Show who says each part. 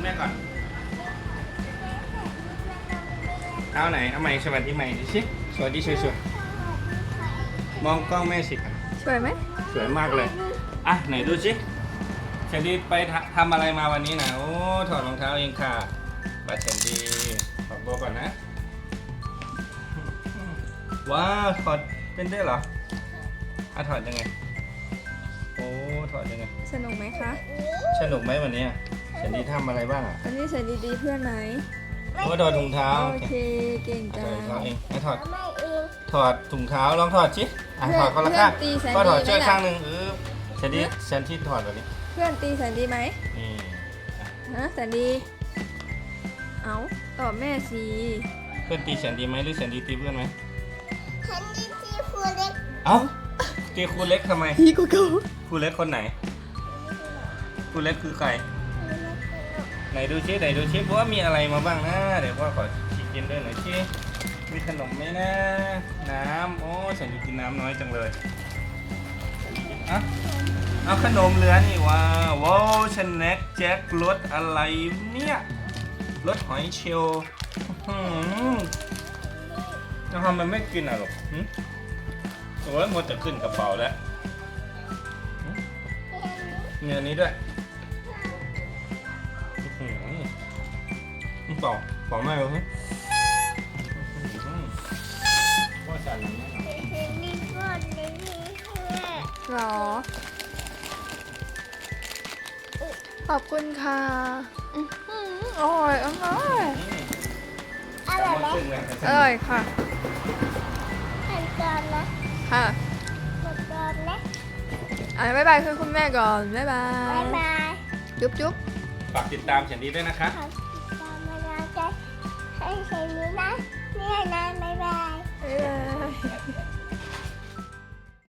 Speaker 1: แม่ก่อนเอาไหนเอาใหม่สวัสดีใหม่ดิสิสวัสดีสวยๆมองกล้องแม่สิครับ
Speaker 2: สวยไหม
Speaker 1: สวยมากเลยอ่ะไหนดูสิเชนดี้ไปทำอะไรมาวันนี้นะโอ้ถอดรองเท้าเองค่ะบัตรเชนดี้ถอดตัวก่อนนะว้าวถอดเป็นได้เหรออ่ะถอดยังไงโอ้ถอดยังไง
Speaker 2: สนุกไหมคะ
Speaker 1: สนุกไหมวันนี้เชนดี้ทำอะไรบ้างอ่ะ
Speaker 2: วันนี้ใส่ดีๆเพื่อนไหม
Speaker 1: โอ้ถอดถุงเท้า
Speaker 2: โอเคเก่ง
Speaker 1: ถ
Speaker 2: จั
Speaker 1: อด
Speaker 2: ง
Speaker 1: ถุงเท้าเองไม่ถอด
Speaker 3: ไม่เอง
Speaker 1: ถอดถุงเท้าลองถอดสิอ่ะถอดคนละข้างก็ถอดช่วยข้างหนึ่งเชนดี้เชนที่ถอดแบบนี้
Speaker 2: เพื่อนตีแสนดีไหม
Speaker 1: นี่
Speaker 2: ฮะแสนดีเอาตอบแม่สิ
Speaker 1: เพื่อนตีเชนดีไหมหรือเชนดีตีเพื่อนไหม
Speaker 3: ฉันดีที่ครูเล็ก
Speaker 1: เอ้าตีครูเล็กทำไม
Speaker 2: พี่กูเกา
Speaker 1: ครูเล็กคนไหนครูเล็กคือใครไหนดูชิไหนดูชิว่ามีอะไรมาบ้างนะเดี๋ยวพ่อขอกินด้วยหน่อยชิมีขนมไหมนะน้ำโอ้ฉันกินน้ำน้อยจังเลยอ่ะเอาขนมเหลือนี่ว้าวสแน็คแจ็ครสอะไรเนี่ยรสหอยเชลล์จะทำมันไม่กินอ่ะหรอกโอ้ยหมดจะขึ้นกระเป๋าแล้วเงินนี้ด้วยเป่าไม่เลยว่าสั่นนะ
Speaker 3: ฉันดีก่อนเลยแม่
Speaker 2: หรอ ขอบคุณค่ะอร่อยอร่อย
Speaker 3: อะไรนะ
Speaker 2: อร่อยค่ะ
Speaker 3: ขั้นตอนนะ
Speaker 2: ค่ะ
Speaker 3: ขั้นตอนนะ
Speaker 2: บ๊ายบายคือคุณแม่ก่อน บ๊ายบา
Speaker 3: บ๊าย ยบาย
Speaker 2: จุ๊บจุ๊บ
Speaker 1: ฝากติดตามเฉนดีด้วยนะคะ
Speaker 3: ขอบคุณตามมาแล้วใจให้ฉันนี้นะ